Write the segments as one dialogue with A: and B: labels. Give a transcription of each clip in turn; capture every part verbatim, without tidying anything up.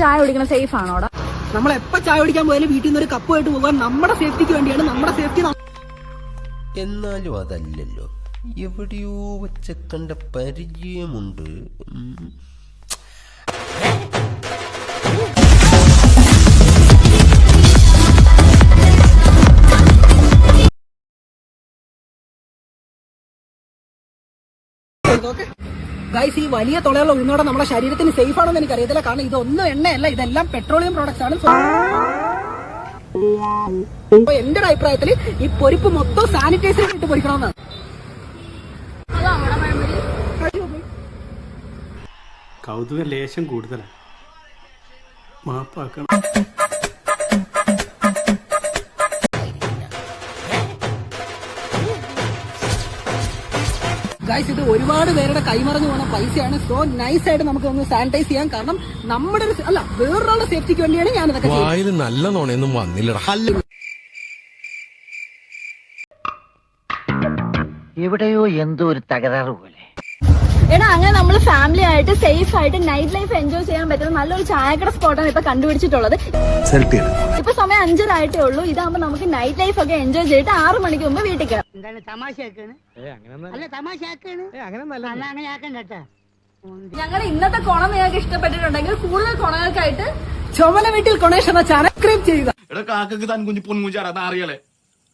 A: ചായ കുടിക്കണം സേഫ് ആണോടാ?
B: നമ്മൾ എപ്പോ ചായ കുടിക്കാൻ പോയാലും വീട്ടിൽ നിന്ന് ഒരു കപ്പുമായിട്ട് പോകാൻ നമ്മുടെ സേഫ്റ്റിക്ക് വേണ്ടിയാണ്. നമ്മുടെ സേഫ്റ്റി
C: എന്നാലും അതല്ലല്ലോ, എവിടെയോ വെച്ച കണ്ട പരിചയമുണ്ട്.
B: ഗൈസ്, ഈ വലിയ തുളയുള്ള ഉഴുന്നോടെ നമ്മുടെ ശരീരത്തിന് സേഫ് ആണെന്ന് എനിക്ക് അറിയത്തില്ല. കാരണം ഇതൊന്നും എണ്ണയല്ല, ഇതെല്ലാം പെട്രോളിയം പ്രോഡക്ട്സ് ആണ്. എന്റെ ഒരു അഭിപ്രായത്തിൽ ഈ പൊരിപ്പ് മൊത്തം സാനിറ്റൈസർ ഇട്ട് പൊരിക്കണമെന്നാണ്.
D: കൗതുക ലേശം കൂടുതലാണ്, മാപ്പാക്കണം.
B: ഗൈസ്, ഇത് ഒരുപാട് പേരുടെ കൈമറഞ്ഞു പോകുന്ന പൈസയാണ്. സോ നൈസ് ആയിട്ട് നമുക്ക് ഒന്ന് സാനിറ്റൈസ് ചെയ്യാം. കാരണം നമ്മുടെ ഒരു അല്ല വേറൊരാളുടെ സേഫ്റ്റിക്ക് വേണ്ടിയാണ് ഞാൻ ഇതൊക്കെ ചെയ്യുന്നത്.
E: നല്ല നോണയൊന്നും വന്നില്ലടാ.
F: എവിടെയോ എന്തോ ഒരു തകരാറ് പോലെ.
A: എടാ, അങ്ങനെ നമ്മൾ ഫാമിലി ആയിട്ട് സേഫ് ആയിട്ട് നൈറ്റ് ലൈഫ് എൻജോയ് ചെയ്യാൻ പറ്റുന്ന നല്ലൊരു ചായക്കട സ്പോട്ടാണ് ഇപ്പൊ കണ്ടുപിടിച്ചിട്ടുള്ളത്. ഇപ്പൊ സമയം അഞ്ചരായിട്ടേ ഉള്ളൂ. ഇതാകുമ്പോ നമുക്ക് നൈറ്റ് ലൈഫ് ഒക്കെ എൻജോയ് ചെയ്തിട്ട് ആറു മണിക്ക് മുമ്പ് വീട്ടിൽ കയറാം.
F: എന്താണ് തമാശയാക്കാണ്? അല്ല തമാശയാക്കാണ്, അങ്ങനെ ആക്കണ്ട.
A: ഞങ്ങളുടെ ഇന്നത്തെ കുണം നിങ്ങൾക്ക് ഇഷ്ടപ്പെട്ടിട്ടുണ്ടെങ്കിൽ കൂടുതൽ കുണങ്ങൾക്കായിട്ട്
B: ചുമല വീട്ടിൽ കൊണേഷ് എന്ന ചാനൽ സബ്സ്ക്രൈബ് ചെയ്യുക.
G: അറിയാലേ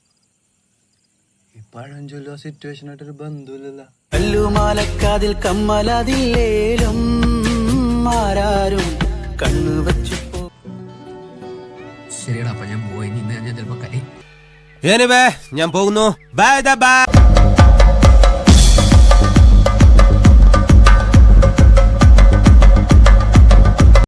E: പഴഞ്ചൊല്ലോ സിറ്റുവേഷൻ ആയിട്ടൊരു ബന്ധുവില്ല.
H: കല്ലുമാലക്കാതിൽ കമ്മലതില്ലേലും ആരാരും കണ്ണു വെച്ചു.
E: ശരിയടാ, അപ്പൊ ഞാൻ പോയി. ഇന്ന് ഞാൻ ചിലപ്പോ കൈ
C: ഞാൻ പോകുന്നു. Bye by.